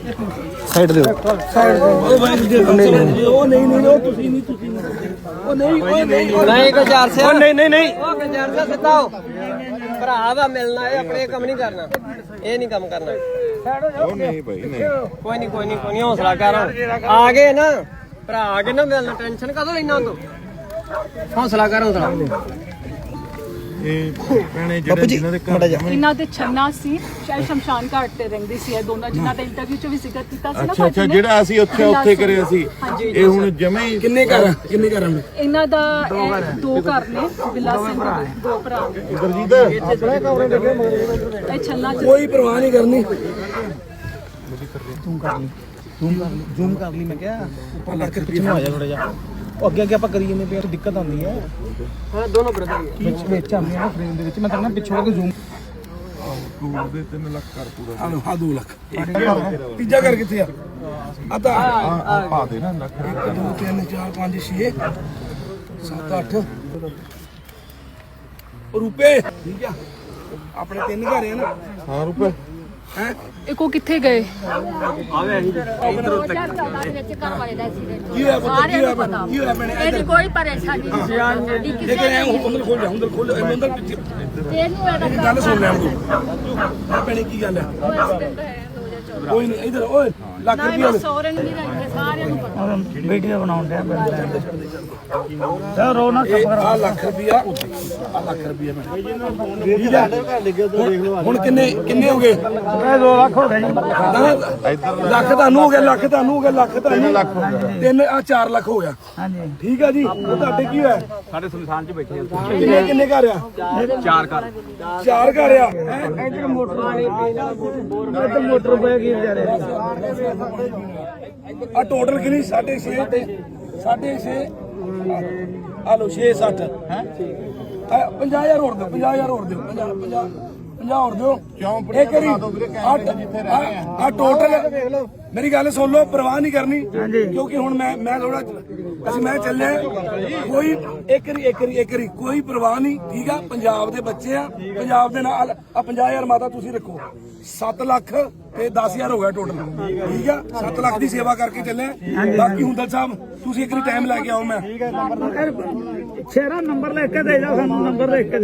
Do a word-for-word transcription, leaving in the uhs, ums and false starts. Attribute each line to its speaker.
Speaker 1: Side ਦਿਓ side ਉਹ ਨਹੀਂ ਨਹੀਂ ਉਹ ਤੁਸੀਂ ਨਹੀਂ ਤੁਸੀਂ ਉਹ ਨਹੀਂ ਉਹ ਨਹੀਂ
Speaker 2: ਨਹੀਂ ਗੁਜ਼ਾਰ ਸੇ
Speaker 1: ਉਹ ਨਹੀਂ ਨਹੀਂ ਨਹੀਂ
Speaker 2: ਉਹ ਗੁਜ਼ਾਰ ਸੇ ਸਿੱਧਾ ਹੋ ਭਰਾ ਦਾ ਮਿਲਣਾ ਇਹ ਆਪਣੇ ਕੰਮ ਨਹੀਂ ਕਰਨਾ ਇਹ ਨਹੀਂ ਕੰਮ ਕਰਨਾ
Speaker 3: ਉਹ ਨਹੀਂ ਭਾਈ ਨਹੀਂ
Speaker 2: ਕੋਈ ਨਹੀਂ ਕੋਈ ਨਹੀਂ ਕੋਈ ਨਹੀਂ ਹੌਸਲਾ ਕਰ ਆ ਗਏ ਨਾ ਭਰਾ ਆ ਗਏ ਨਾ ਮਿਲਣਾ ਟੈਨਸ਼ਨ ਕਦੋਂ ਲੈਣਾ ਤੂੰ ਹੌਸਲਾ ਕਰ ਹੌਸਲਾ
Speaker 3: ਇਹ ਭੈਣੇ ਜਿਹੜੇ ਜਿਨ੍ਹਾਂ ਦੇ ਘਰ
Speaker 4: ਇਹਨਾਂ ਦੇ ਛੰਨਾ ਸੀ ਸ਼ਾਇਦ ਸ਼ਮਸ਼ਾਨ ਘਾਟ ਤੇ ਰਹਿੰਦੀ ਸੀ ਇਹ ਦੋਨਾਂ ਜਿਨ੍ਹਾਂ ਦਾ ਇੰਟਰਵਿਊ ਚ ਵੀ ਜ਼ਿਕਰ ਕੀਤਾ ਸੀ ਨਾ
Speaker 3: ਅੱਛਾ ਅੱਛਾ ਜਿਹੜਾ ਅਸੀਂ ਉੱਥੇ ਉੱਥੇ ਕਰਿਆ ਸੀ ਇਹ ਹੁਣ ਜਮੇ ਹੀ
Speaker 1: ਕਿੰਨੇ ਘਰ ਕਿੰਨੇ ਘਰਾਂ ਨੇ
Speaker 4: ਇਹਨਾਂ ਦਾ ਇਹ ਦੋ ਘਰ ਨੇ ਬਿੱਲਾ ਸਿੰਘ ਦੇ ਦੋ ਭਰਾ
Speaker 3: ਗੁਰਜੀਤ
Speaker 4: ਇਹ ਛੰਨਾ ਚ
Speaker 1: ਕੋਈ ਪਰਵਾਹ ਨਹੀਂ ਕਰਨੀ
Speaker 5: ਜ਼ੂਮ ਕਰ ਲਈ ਜ਼ੂਮ ਕਰ ਲਈ ਜ਼ੂਮ ਕਰ ਲਈ ਮੈਂ ਕਿਹਾ ਉੱਪਰ ਕਰਕੇ ਪਿੱਛੇ ਨੂੰ ਆ ਜਾ ਥੋੜਾ ਜਿਹਾ ਉਹ ਅੱਗੇ ਅੱਗੇ ਆਪਾਂ ਕਰੀ ਜਾਂਦੇ ਪਏ ਦਿੱਕਤ ਆਉਂਦੀ ਹੈ
Speaker 2: ਹਾਂ ਦੋਨੋਂ ਬ੍ਰਦਰ
Speaker 5: ਵਿੱਚ ਵਿੱਚ ਆਉਂਦੇ ਆ ਫਰੇਮ ਦੇ ਵਿੱਚ ਮੈਂ ਕਹਿੰਦਾ ਪਿੱਛੋਂ ਆ ਕੇ ਜ਼ੂਮ
Speaker 3: ਟੂਰ ਦੇ ਤਿੰਨ ਲੱਖ ਕਰ ਪੂਰਾ
Speaker 1: ਆ ਲੋ ਆ ਦੋ ਲੱਖ ਤੀਜਾ ਘਰ ਕਿੱਥੇ ਆ ਆ ਤਾਂ
Speaker 3: ਆ ਪਾ ਦੇ ਨਾ ਲੱਖ
Speaker 1: ਇੱਕ ਦੋ ਤਿੰਨ ਚਾਰ ਪੰਜ ਛੇ ਸੱਤ ਅੱਠ ਰੁਪਏ ਠੀਕ ਆ ਆਪਣੇ ਤਿੰਨ ਘਰ ਆ ਨਾ
Speaker 3: ਹਾਂ ਰੁਪਏ
Speaker 1: ਹੈ
Speaker 4: ਇਹ ਕੋ ਕਿੱਥੇ ਗਏ
Speaker 1: ਕੀ ਹੋਇਆ ਪੁੱਤ ਕੀ ਹੋਇਆ ਭੈਣੇ? ਕੀ ਹੋਇਆ ਭੈਣੇ
Speaker 6: ਇਹਦੀ ਕੋਈ ਪਰੇਸ਼ਾਨੀ ਨਹੀਂ
Speaker 1: ਇਹ ਕਿ ਐ ਅੰਦਰ ਖੋਲ ਜਾ ਅੰਦਰ ਖੋਲ ਜਾ ਅੰਦਰ ਪਿੱਛੇ
Speaker 6: ਇਹਨੂੰ ਇਹਦਾ
Speaker 1: ਇਹ ਗੱਲ ਸੁਣ ਲੈ ਤੂੰ ਭੈਣੇ ਕੀ ਗੱਲ ਹੈ ਕੋਈ ਨਹੀਂ ਇਧਰ ਓਏ ਲੱਖ
Speaker 4: ਨਾ
Speaker 1: ਰੁਪਏ
Speaker 4: ਸੋਹਰੇ ਨੂੰ ਨਹੀਂ ਰਹਿੰਦੇ ਸਾਰਿਆਂ ਨੂੰ ਪਤਾ
Speaker 5: ਵੀਡੀਓ ਬਣਾਉਣ ਡਿਆ ਚਲ ਰੋ ਨਾ
Speaker 1: ਆ ਲੱਖ ਰੁਪਿਆ ਆ ਲੱਖ ਰੁਪਿਆ ਹੁਣ ਕਿੰਨੇ ਕਿੰਨੇ ਹੋ ਗਏ
Speaker 5: ਦੋ ਲੱਖ ਹੋ ਗਏ ਜੀ
Speaker 1: ਲੱਖ ਤੁਹਾਨੂੰ ਹੋ ਗਿਆ ਲੱਖ ਤੁਹਾਨੂੰ ਹੋ ਗਿਆ ਲੱਖ ਤੁਹਾਨੂੰ ਲੱਖ ਹੋ ਗਿਆ ਤਿੰਨ ਆ ਚਾਰ ਲੱਖ ਹੋ ਗਿਆ
Speaker 5: ਹਾਂਜੀ
Speaker 1: ਠੀਕ ਆ ਜੀ ਉਹ ਤੁਹਾਡੇ ਕੀ ਹੋਇਆ
Speaker 2: ਸਾਡੇ ਸੁਨਸਾਨ ਚ ਬੈਠੇ
Speaker 1: ਕਿੰਨੇ ਕਿੰਨੇ ਘਰ ਆ
Speaker 2: ਚਾਰ ਘਰ
Speaker 1: ਚਾਰ ਘਰ ਆ
Speaker 5: ਇੱਧਰ ਮੋਟਰ ਇੱਧਰ ਮੋਟਰ ਪੈ ਗਈ ਵਿਚਾਰੇ
Speaker 1: ਆ ਟੋਟਲ ਕਿੰਨੀ ਸਾਢੇ ਛੇ ਤੇ ਸਾਢੇ ਛੇ ਆ ਲੋ ਛੇ ਸੱਠ ਹੈ ਪੰਜਾਹ ਹਜ਼ਾਰ ਹੋਰ ਦਿਓ ਪੰਜਾਹ ਹਜ਼ਾਰ ਹੋਰ ਦਿਓ ਪੰਜਾਹ ਪੰਜਾਹ ਪੰਜਾਹ ਹੋਰ ਦਿਓ ਇਹ ਕਰੀ ਆ ਟੋਟਲ ਮੇਰੀ ਗੱਲ ਸੁਣ ਲਓ ਪਰਵਾਹ ਨਹੀਂ ਕਰਨੀ ਕਿਉਂਕਿ ਹੁਣ ਮੈਂ ਮੈਂ ਥੋੜਾ ਅਸੀਂ ਮੈਂ ਚੱਲਿਆ ਕੋਈ ਇੱਕ ਰੀ ਇੱਕ ਰੀ ਇੱਕ ਰੀ ਕੋਈ ਪਰਵਾਹ ਨਹੀਂ ਠੀਕ ਆ ਪੰਜਾਬ ਦੇ ਬੱਚੇ ਆ ਪੰਜਾਬ ਦੇ ਨਾਲ ਆ ਪੰਜਾਹ ਹਜ਼ਾਰ ਮਾਤਾ ਤੁਸੀਂ ਰੱਖੋ ਸੱਤ ਲੱਖ ਤੇ ਦਸ ਹਜ਼ਾਰ ਹੋ ਗਿਆ ਟੋਟਲ ਠੀਕ ਆ ਸੱਤ ਲੱਖ ਦੀ ਸੇਵਾ ਕਰਕੇ ਚੱਲੇ ਬਾਕੀ ਹੁੰਦਲ ਸਾਹਿਬ ਤੁਸੀਂ ਇੱਕ ਰੀ ਟਾਈਮ ਲੈ ਕੇ ਆਓ ਮੈਂ
Speaker 5: ਸ਼ੇਰਾ ਨੰਬਰ ਲਿਖ ਕੇ ਦੇ ਜਾ ਸਾਨੂੰ ਨੰਬਰ ਲਿਖ ਕੇ